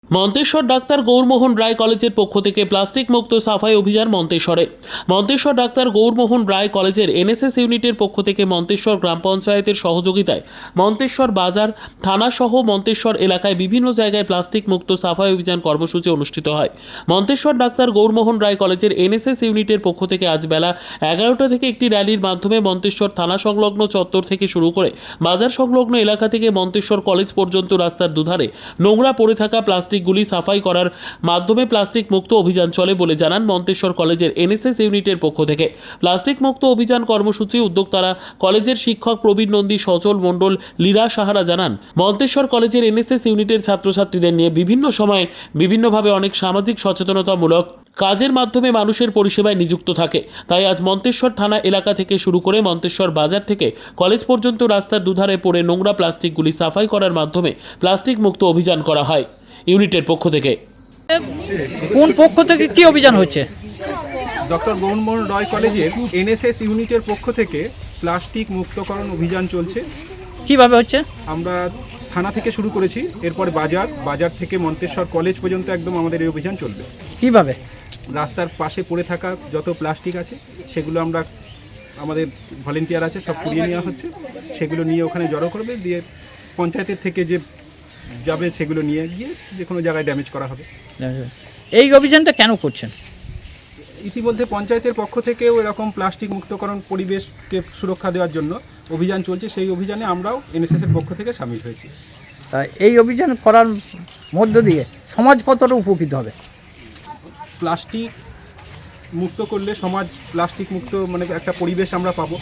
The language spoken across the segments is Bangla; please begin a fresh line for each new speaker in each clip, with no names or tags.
মন্তেশ্বর ডাক্তার গৌরমোহন রায় কলেজের পক্ষ থেকে প্লাস্টিক মুক্ত সাফাই অভিযান মন্তেশ্বরে। মন্তেশ্বর ডাক্তার গৌরমোহন রায় কলেজের এনএসএস ইউনিটের পক্ষ থেকে মন্তেশ্বর গ্রাম পঞ্চায়েতের সহযোগিতায় মন্তেশ্বর বাজার থানা সহ মন্তেশ্বর এলাকায় বিভিন্ন জায়গায় প্লাস্টিক মুক্ত সাফাই অভিযান কর্মসূচি অনুষ্ঠিত হয়। মন্তেশ্বর ডাক্তার গৌরমোহন রায় কলেজের এনএসএস ইউনিটের পক্ষ থেকে আজ বেলা 11টা থেকে একটি র্যালির মাধ্যমে মন্তেশ্বর থানা সংলগ্ন চত্বর থেকে শুরু করে বাজার সংলগ্ন এলাকা থেকে মন্তেশ্বর কলেজ পর্যন্ত রাস্তার দুধারে নোংরা পড়ে থাকা প্লাস্টিকগুলি সাফাই করার মাধ্যমে প্লাস্টিক মুক্ত অভিযান চলে বলে জানান মন্তেশ্বর কলেজের এনএসএস ইউনিটের পক্ষ থেকে। প্লাস্টিক মুক্ত অভিযান কর্মসূচি উদ্যোক্তারা কলেজের শিক্ষক প্রবীণ নন্দী, সচল মণ্ডল, লীরা সাহারা জানান মন্তেশ্বর কলেজের এনএসএস ইউনিটের ছাত্রছাত্রীদের নিয়ে বিভিন্ন সময়ে বিভিন্নভাবে অনেক সামাজিক সচেতনতামূলক কাজের মাধ্যমে মানুষের পরিষেবায় নিযুক্ত থাকে। তাই আজ মন্তেশ্বর থানা এলাকা থেকে শুরু করে মন্তেশ্বর বাজার থেকে কলেজ পর্যন্ত রাস্তার দুধারে পড়ে নোংরা প্লাস্টিকগুলি সাফাই করার মাধ্যমে প্লাস্টিক মুক্ত অভিযান করা হয় ইউনিটের পক্ষ থেকে।
কোন পক্ষ থেকে কি অভিযান হচ্ছে?
ডক্টর গৌরমোহন রায় কলেজের এনএসএস ইউনিটের পক্ষ থেকে প্লাস্টিক মুক্তকরণ অভিযান চলছে।
কিভাবে হচ্ছে?
আমরা থানা থেকে শুরু করেছি, এরপর বাজার থেকে মন্তেশ্বর কলেজ পর্যন্ত একদম আমাদের এই অভিযান চলবে।
কিভাবে?
রাস্তার পাশে পড়ে থাকা যত প্লাস্টিক আছে সেগুলো আমরা আমাদের ভলেন্টিয়ার আছে সব কুড়িয়ে নেওয়া হচ্ছে, সেগুলো নিয়ে ওখানে জড়ো করবে, দিয়ে পঞ্চায়েতের থেকে যে যাবে সেগুলো নিয়ে গিয়ে যে কোনো জায়গায় ড্যামেজ করা হবে।
এই অভিযানটা কেন করছেন?
ইতিমধ্যে পঞ্চায়েতের পক্ষ থেকেও এরকম প্লাস্টিক মুক্তকরণ পরিবেশকে সুরক্ষা দেওয়ার জন্য অভিযান চলছে, সেই অভিযানে আমরাও এনএসএসের পক্ষ থেকে সামিল হয়েছি।
এই অভিযান করার মধ্য দিয়ে সমাজ কতটা উপকৃত হবে?
প্লাস্টিক মুক্ত করলে সমাজ প্লাস্টিক মুক্ত মানে একটা পরিবেশ আমরা পাবো,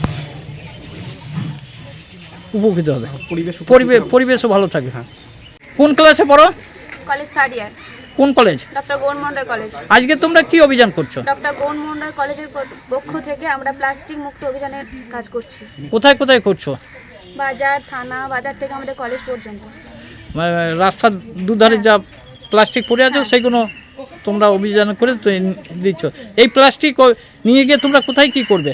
উপকৃত হবে,
পরিবেশ
পরিবেশও ভালো থাকবে।
হ্যাঁ।
কোন ক্লাসে পড়ো?
College third year.
কোন college?
Doctor Gourmohan Roy college.
আজকে তোমরা কি অভিযান করছো?
ডক্টর গৌরমোহন রায় কলেজের পক্ষ থেকে আমরা প্লাস্টিক মুক্ত অভিযানের কাজ করছি।
কোথায় কোথায় করছো?
বাজার, থানা, বাজার থেকে আমাদের কলেজ পর্যন্ত।
রাস্তার দুধারে যা প্লাস্টিক পড়ে আছে সেগুলো তোমরা অভিযান করে দিচ্ছ। এই প্লাস্টিক নিয়ে গিয়ে তোমরা কোথায় কি করবে?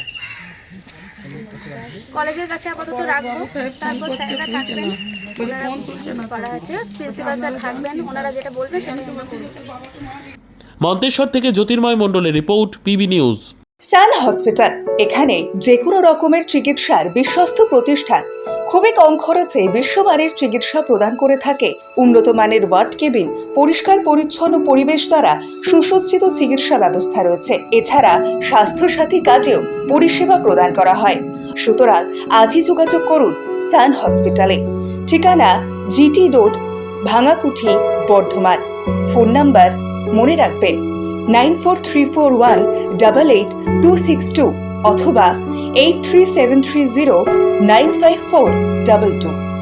কলেজের কাছে আপাতত রাখবো, তারপর স্যাররা থাকবেন, ওনারা করা আছে, প্রিন্সিপাল স্যার থাকবেন, ওনারা যেটা বলবে সেটাই আমরা করব।
মন্তেশ্বর থেকে জ্যোতির্ময় মণ্ডলের report, PB news.
Sun hospital, এখানে যে কোনো রকমের চিকিৎসার বিশ্বস্ত প্রতিষ্ঠান। খুবই কম খরচে বিশ্বমানের চিকিৎসা প্রদান করে থাকে। উন্নত মানের ওয়ার্ড কেবিন, পরিষ্কার পরিচ্ছন্ন পরিবেশ দ্বারা সুসজ্জিত চিকিৎসা ব্যবস্থা রয়েছে। এছাড়া স্বাস্থ্যসাথী কাজেও পরিষেবা প্রদান করা হয়। সুতরাং আজই যোগাযোগ করুন সান হসপিটালে। ঠিকানা GT road, Bhangakuthi, Bardhaman. Phone number মনে রাখবেন 9434188262 অথবা 83730954222।